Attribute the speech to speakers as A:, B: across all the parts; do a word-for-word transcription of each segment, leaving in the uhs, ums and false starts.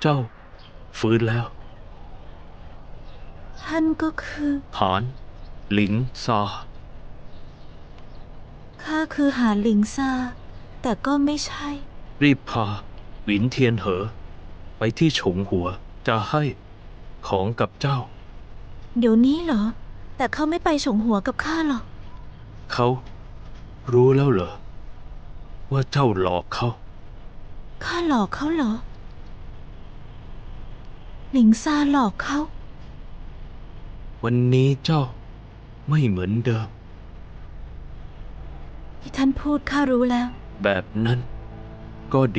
A: เจ้าฟื้นแล้ว
B: ท่านก็คือ
A: หานหลิงซา
B: ข้าคือหานหลิงซาแต่ก็ไม่ใช่
A: รีบพาหวินเทียนเหอ ไปที่ฉงหัวจะให้ของกับเจ้า
B: เดี๋ยวนี้เหรอ แต่เขาไม่ไปฉงหัวกับข้าหรอก
A: เขารู้แล้วเหรอ ว่าเจ้าหลอกเขา
B: ข้าหลอกเขาเหรอ หลิงซาหลอกเขา
A: วันนี้เจ้าไม่เหมือนเดิม
B: ที่ท่านพูดข้ารู้แล้ว
A: แบบนั้นก็ดี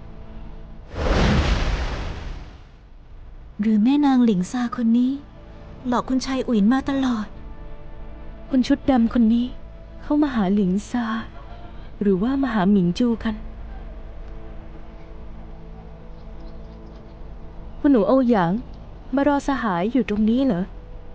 B: หรือแม่นางหลิงซาคนนี้ หลอกคุณชายอุ๋ยนมาตลอด
C: คนชุดดำคนนี้ เข้ามาหาหลิงซา หรือว่ามาหาหมิงจูกัน คุณหนูโอหยาง มารอสหายอยู่ตรงนี้เหรอ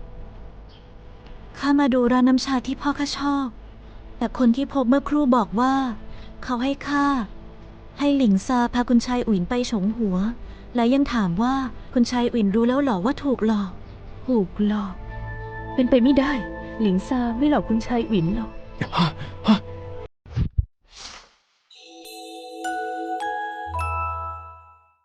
B: ข้ามาดูร้านน้ำชาที่พ่อข้าชอบ แต่คนที่พบเมื่อครู่บอกว่า เขาให้ข้าให้หลิงซาพาคุณชายอุ๋ยนไปฉงหัว และยังถามว่าคุณชายอุ๋ยนรู้แล้วเหรอว่าถูกหลอก
C: ถูกหลอก เป็นไปไม่ได้ หลิงซาไม่หลอกคุณชายอินหรอก
A: ฮะฮะ